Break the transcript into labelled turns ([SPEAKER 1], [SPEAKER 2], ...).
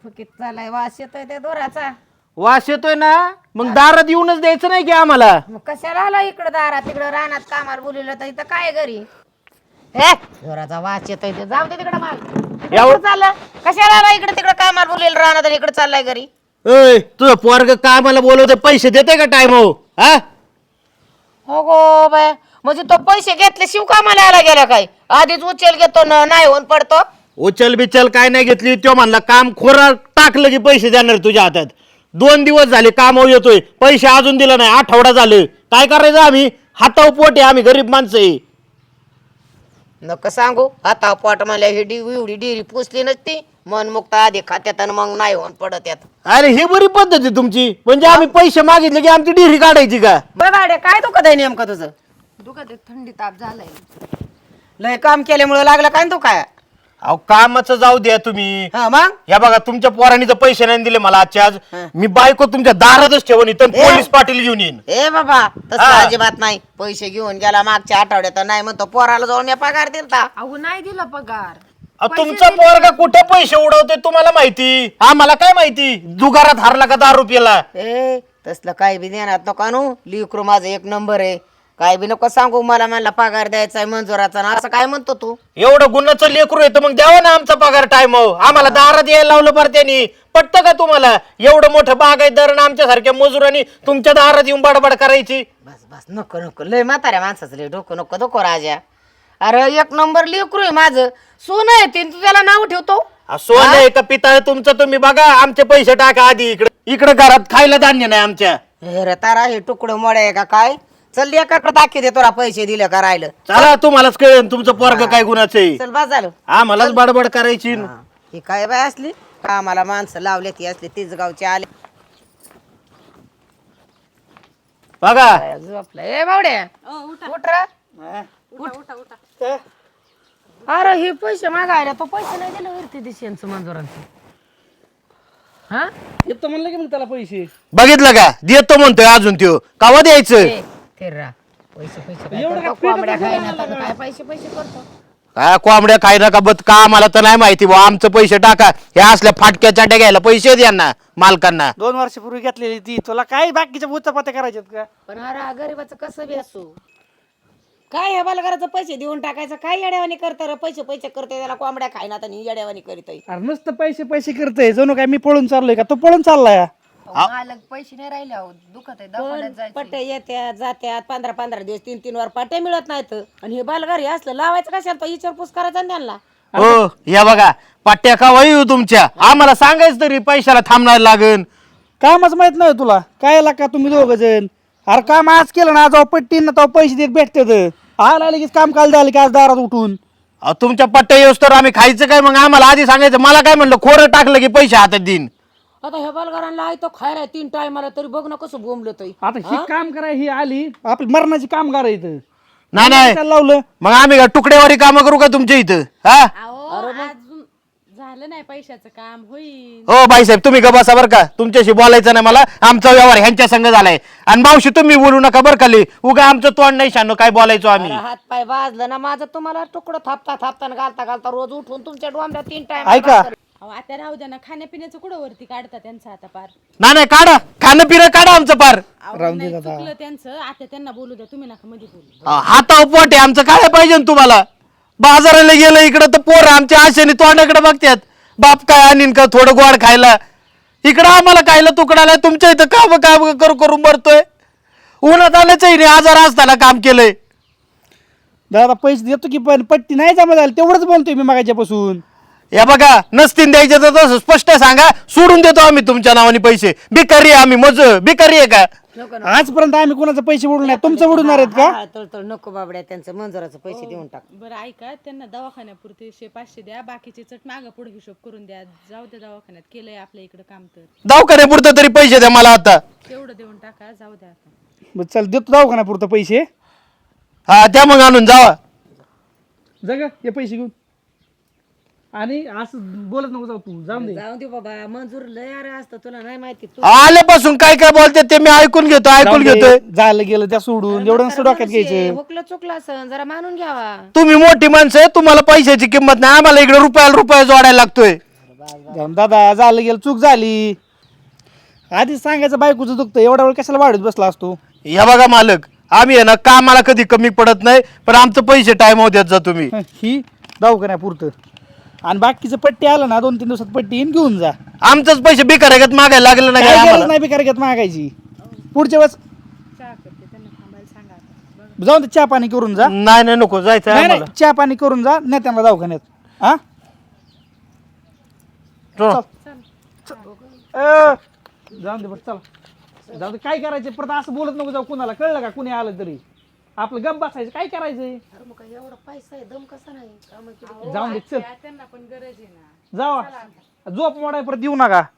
[SPEAKER 1] फुकीत चालाय वास येतोय त्या दोराचा.
[SPEAKER 2] वास येतोय ना मग दारात येऊनच द्यायचं नाही की आम्हाला.
[SPEAKER 1] मग कशाला आला इकडं दारात तिकडं रानात कामाला बोलवलं तर इथं काय घरी हे दोराचा वास येतोय ते जाऊ दे तिकडं माल.
[SPEAKER 2] एवढं
[SPEAKER 1] चाललं कशाला आला इकडे तिकडं कामाला बोलवलं रानात आणि इकडे चाललाय घरी.
[SPEAKER 2] ए तुझं पोरग कामाला बोलवते पैसे देते का टाइम हो हा.
[SPEAKER 1] हो गो बाय म्हणजे तो पैसे घेतले शिव कामाला आला गेला काय आधीच उचल घेतो ना नाही होऊन पडतो.
[SPEAKER 2] उचल बिचल काय नाही घेतली तो म्हणला काम खोरा टाकलं की पैसे देणार तुझ्या हातात. 2 दिवस झाले कामावर येतोय पैसे अजून दिला नाही आठवडा झाले काय करायचं आम्ही हातावर पोट आहे आम्ही गरीब माणसं आहे.
[SPEAKER 1] नका सांगू आता पोट मला ही एवढी डिरी पुसली नसती मन मुक्त आधी खात्यात आणि मग नाही होऊन पडत यात.
[SPEAKER 2] अरे ही बरी पद्धत आहे तुमची म्हणजे आम्ही पैसे मागितले की आमची डिरी काढायची का.
[SPEAKER 1] बघाडे काय दुखत आहे नेमकं तुझं.
[SPEAKER 3] दुखत थंडी ताप झालाय.
[SPEAKER 1] लय काम केल्यामुळे लागलं काय तू काय.
[SPEAKER 2] अहो कामाचं जाऊ द्या तुम्ही.
[SPEAKER 1] हा मग
[SPEAKER 2] या बघा तुमच्या पोरांनी तर पैसे नाही दिले मला आजच्या आज मी बायको तुमच्या दारातच ठेवून इथं पोलीस पाटील घेऊन येईन.
[SPEAKER 1] ए बाबा तसं अजिबात नाही पैसे घेऊन गेला मागच्या आठवड्यात नाही म्हणतो पोराला जाऊन मी पगार दिलता.
[SPEAKER 3] अहो नाही दिला पगार.
[SPEAKER 2] तुमचा पोरगा कुठे पैसे उडवतोय तुम्हाला माहिती आम्हाला काय माहिती. जुगारात हारला का 10 रुपयाला.
[SPEAKER 1] ए तसलं काय बी देणार नका नू लिकरू माझं 1 नंबर आहे काय बी नको सांगू मला म्हणला पगार द्यायचा आहे मंजुराचा ना असं काय म्हणतो तू.
[SPEAKER 2] एवढं गुन्ह्याचं लेकरू येतं मग द्यावं ना आमचा पगार टाइम आम्हाला दारात यायला लावलं बरं त्यांनी. पटतं का तुम्हाला एवढं मोठं बागायतदार आमच्या सारख्या मजुरांनी तुमच्या दारात येऊन बडबड करायची.
[SPEAKER 1] बस बस नको नको लय म्हाताऱ्या माणसाचं लय डोकं नको नको राजा. अरे 1 नंबर लेकरू आहे माझं सोनं आहे ते तू त्याला नाव ठेवतो.
[SPEAKER 2] सोनं आहे का पिता तुमचं तुम्ही बघा आमचे पैसे टाका आधी इकडे घरात खायला धान्य नाही आमच्या.
[SPEAKER 1] हे रे तारा हे तुकडं मोड आहे का काय चल एकाकडे दाखी दे तुला पैसे दिले का राहिलं.
[SPEAKER 2] चला तुम्हालाच कळेल तुमचं पोरग काय गुणाचं आहे.
[SPEAKER 1] चल बस झालं
[SPEAKER 2] आम्हालाच बडबड करायची.
[SPEAKER 1] ही काय बाय असली कामाला माणसं लावले ती असली तीच गावचे आले
[SPEAKER 2] बघा
[SPEAKER 1] झोपलं. ए बावड्या उठ रे.
[SPEAKER 3] उठा.
[SPEAKER 1] अरे हे पैसे मागायला तो पैसे नाही दिले वरती दिशेंचं मंजुरांचं. हा
[SPEAKER 4] येतो म्हणलं की मग त्याला पैसे.
[SPEAKER 2] बघितलं का देतो म्हणतोय अजून त्यो कावा द्यायचं.
[SPEAKER 1] तेरा पैसे पैसे काय करतो? कोंबड्या खायला तर काय पैसे पैसे करतो.
[SPEAKER 2] काय कोंबड्या खाय नका बत का आम्हाला तर नाही माहिती बुवा आमचं पैसे टाका हे असल्या फाटक्या चाट्या घ्यायला पैसे द्या मालकांना.
[SPEAKER 4] 2 वर्षापूर्वी घेतलेली ती तुला काय बाकीच्या बुचापात्या करायच्यात का.
[SPEAKER 1] पण अरे गरीबाचं कसं बी असू काय ह्या बालकाराचं पैसे देऊन टाकायचं काय येड्यावानी करतं रे पैसे पैसे करते त्याला कोंबड्या खायना तर येड्यावानी करीत.
[SPEAKER 4] अरे नुसतं पैसे पैसे करतोय जणू काय मी पळून चाललोय का तो पळून चाललाय.
[SPEAKER 3] मालक पैसे नाही राहिले अहो दुखत आहे दवाखान्यात जायचं.
[SPEAKER 1] पट्टे येत्यात जात्यात 15-15 दिवस 3-3 वर पाट्या मिळत नाहीत आणि हे बालगारी असलं लावायचं कशाला तो विचारपूस करायचा आणि त्यांना.
[SPEAKER 2] हो या बघा पाट्या का वाई तुमच्या आम्हाला सांगायचं तरी पैशाला थांबणार लागन.
[SPEAKER 4] कामच माहित नाही तुला काय का तुम्ही 2 जण. अरे काम आज केलं ना जाऊ पट्टी ना तो पैसे देत भेटतात. आला लगेच काम काल झालं की आज दारात उठून.
[SPEAKER 2] तुमच्या पट्ट्या येऊस तर आम्ही खायचं काय मग आम्हाला आधी सांगायचं. मला काय म्हणलं खोरं टाकलं की पैसे हातात देईन.
[SPEAKER 1] आता ह्या बालगारांना आहे तो खायला 3 टायमाला तरी बघ ना कसं बोंबलं तोय.
[SPEAKER 4] आता ही काम कराय ही आली आपली मरणाची कामगार आहे इथं.
[SPEAKER 2] नाही नाही
[SPEAKER 4] त्याला लावलं
[SPEAKER 2] मग आम्ही का तुकडेवारी कामं करू का तुमच्या इथं हा.
[SPEAKER 3] अजून झालं नाही पैशाचं काम होईल.
[SPEAKER 2] हो बाईसाहेब तुम्ही का बसा बरं का तुमच्याशी बोलायचं नाही मला. आमचा व्यवहार ह्यांच्या संग झालाय आणि मावशी तुम्ही बोलू नका बरं का. उगा आमचं तोंड नाही शानो काय बोलायचो आम्ही.
[SPEAKER 1] हात पाय वाजलं ना माझं तुम्हाला तुकडं थापता थापता घालता घालता रोज उठून तुमच्या डोंबऱ्या 3 टाइम.
[SPEAKER 4] ऐका
[SPEAKER 3] अहो आता राहू द्या ना खाण्यापिण्याचं कुठं वरती काढता त्यांचं आता पार.
[SPEAKER 2] नाही नाही काढा खाणं पिणं काढा आमचं पार.
[SPEAKER 3] अहो, नाही, चुकलं त्यांचं आता त्यांना बोलू द्या तुम्ही नका मध्ये बोलू.
[SPEAKER 2] हातावर पोट आहे आमचं काय पाहिजे ना तुम्हाला. बाजाराला गेलं इकडं तर पोरं आमच्या आशेने तोंडाकडे बघतात. बाप काय आणीन का थोडं गोड खायला इकडं आम्हाला खायला तुकडाला तुमच्या इथं काम काम करून मरतोय. उन्हात आल्याच आजार असताना काम केलंय.
[SPEAKER 4] दादा पैसे देतो की पण पट्टी नाही जमा झाली तेवढंच बोलतोय मी मागायच्यापासून.
[SPEAKER 2] या बघा नसतील द्यायचे तर तसं स्पष्ट सांगा सोडून देतो आम्ही तुमच्या नावाने पैसे. भिकारी आहे आम्ही मज भिकारी आहे का.
[SPEAKER 4] आजपर्यंत आम्ही कोणाचे पैसे उडून नाही तुमचं उडवणार आहेत का.
[SPEAKER 1] तळ नको बाबड्या त्यांचं मंजुराचं पैसे देऊन टाक.
[SPEAKER 3] बरं ऐका त्यांना दवाखान्यापुरते 100-500 द्या बाकीचे चट मागं पुढे हिशोब करून द्या. जाऊ द्या दवाखान्यात केलंय आपल्या इकडे काम तर
[SPEAKER 2] दवाखान्यापुरतं तरी पैसे द्या मला आता.
[SPEAKER 3] तेवढं देऊन टाका जाऊ द्या आता.
[SPEAKER 4] बरं चल देतो दवाखान्यापुरतं पैसे.
[SPEAKER 2] हा त्या मग आणून जावा.
[SPEAKER 4] जग हे पैसे घेऊन आणि असं बोलत नको जाऊ तू जाऊन दे.
[SPEAKER 1] जाऊ दे बाबा मंजूर लय अरे असतं तुला नाही माहिती. तू
[SPEAKER 2] आल्यापासून काय काय बोलते ते मी ऐकून घेतोय
[SPEAKER 4] झालं गेलं त्या सोडून एवढं नसतं डोक्यात घ्यायचं.
[SPEAKER 1] हुकलं चुकलं असं जरा मानून घ्यावा.
[SPEAKER 2] तुम्ही मोठी माणसं आहे तुम्हाला पैशाची किंमत नाही. आम्हाला इकडे रुपयाला रुपया जोडायला लागतोय.
[SPEAKER 4] जाऊन दादा झालं गेलं चूक झाली. आधीच सांगायचं बायकोचं दुखतं, एवढा वेळ कशाला वाढत बसला असतो.
[SPEAKER 2] या बघा मालक, आम्ही आहे ना कामाला कधी कमी पडत नाही, पण आमचं पैसे टाइम देत जा तुम्ही.
[SPEAKER 4] ही दवाखान्यापुरतं आणि बाकीचं पट्टी आलं ना 2-3 दिवसात पट्टी येईन घेऊन जा.
[SPEAKER 2] आमचंच पैसे बिकाऱ्यागत मागायला लागले ना काय
[SPEAKER 4] काय
[SPEAKER 2] आम्हाला.
[SPEAKER 4] गरज नाही बिकार घेत मागायची. पुढच्या वेळेस
[SPEAKER 3] चहा करते त्यांना थांबायला सांगा आता.
[SPEAKER 4] जाऊन दे, चहा पाणी करून जा.
[SPEAKER 2] नाही नाही नको जायचं
[SPEAKER 4] नाही
[SPEAKER 2] आम्हाला.
[SPEAKER 4] नाही, चहा पाणी करून जा, नाही त्यांना दवाखान्यात. हा
[SPEAKER 2] चला.
[SPEAKER 4] जाऊन दे बरं, चला जाऊ दे. काय करायचं परत असं बोलत नको जाऊ कुणाला, कळलं का? कुणी आलं तरी आपलं गप बसायचं. काय करायचंय?
[SPEAKER 1] अरे मग काय एवढा पैसा आहे, दम कसा नाही कामाची.
[SPEAKER 4] जाऊन दे, चल
[SPEAKER 3] त्यांना पण गरज आहे ना.
[SPEAKER 4] जावा. झोप मोडाय परत येऊ नका.